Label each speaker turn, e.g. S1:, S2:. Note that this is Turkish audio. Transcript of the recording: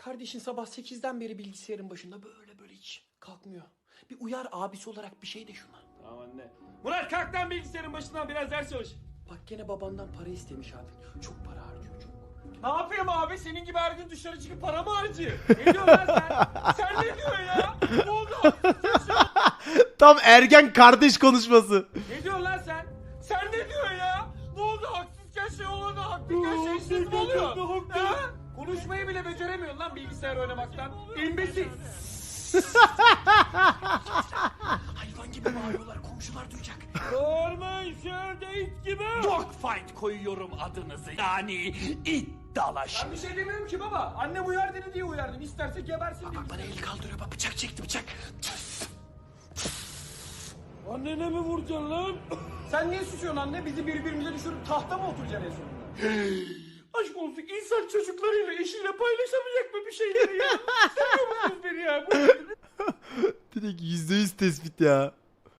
S1: Kardeşin sabah 8'den beri bilgisayarın başında böyle hiç kalkmıyor. Bir uyar abisi olarak bir şey de şuna.
S2: Tamam anne. Murat kalk lan bilgisayarın başından biraz ders çalış.
S1: Bak gene babandan para istemiş abi. Çok para harcıyor çok.
S2: Ne yapayım abi? Senin gibi her gün dışarı çıkıp para mı harcıyor? Ne diyorsun lan sen? Sen ne diyorsun ya? Ne oldu?
S3: Tam ergen kardeş konuşması.
S2: Ne diyorsun lan sen? Sen ne diyorsun ya? Ne oldu? Haksızken şey olmadı. Haklıyken şeysiz mi oluyor? Ha? Konuşmayı bile beceremiyorsun lan bilgisayar oynamaktan. İmbesil.
S1: Hayvan gibi bağırıyorlar, komşular duyacak.
S2: Orman şöyle it gibi.
S1: Dogfight koyuyorum adınızı. Yani it dalaşı.
S2: Ben bir şey demiyorum ki baba. Annem uyar dedi diye uyardım. İsterse gebersin diye.
S1: Bak bana el kaldırıyor, bak bıçak çekti bıçak.
S2: Annene mi vuracaksın lan? Sen niye susuyorsun anne? Bizi birbirimize düşürüp tahta mı oturacaksın en sonunda? Aşk olsun insan çocuklarıyla eşiyle paylaşamayacak mı bir şeyleri ya? Seviyor musunuz beni ya?
S3: Direkt %100 tespit ya.